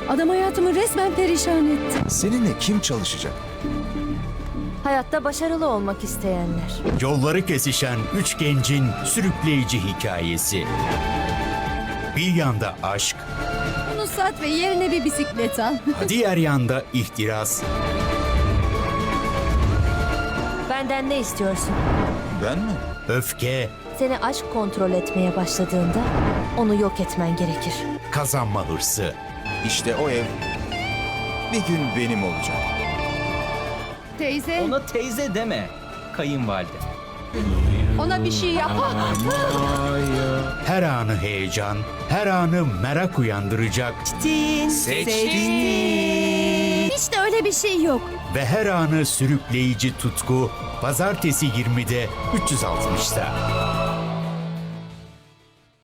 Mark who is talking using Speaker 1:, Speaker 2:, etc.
Speaker 1: Adam hayatımı resmen perişan etti.
Speaker 2: Seninle kim çalışacak?
Speaker 3: Hayatta başarılı olmak isteyenler.
Speaker 4: Yolları kesişen üç gencin sürükleyici hikayesi. Bir yanda aşk,
Speaker 1: Bunu sat ve yerine bir bisiklet al.
Speaker 4: diğer yanda ihtiras,
Speaker 3: Benden ne istiyorsun?
Speaker 2: Ben mi?
Speaker 4: öfke,
Speaker 3: Seni aşk kontrol etmeye başladığında onu yok etmen gerekir.
Speaker 4: kazanma hırsı.
Speaker 2: İşte o ev bir gün benim olacak.
Speaker 1: Teyze,
Speaker 5: Ona teyze deme. Kayınvalide.
Speaker 1: ona bir şey yapma.
Speaker 4: Her anı heyecan, her anı merak uyandıracak
Speaker 1: Hiç de öyle bir şey yok.
Speaker 4: ve her anı sürükleyici tutku. Pazartesi 20'de 360'ta.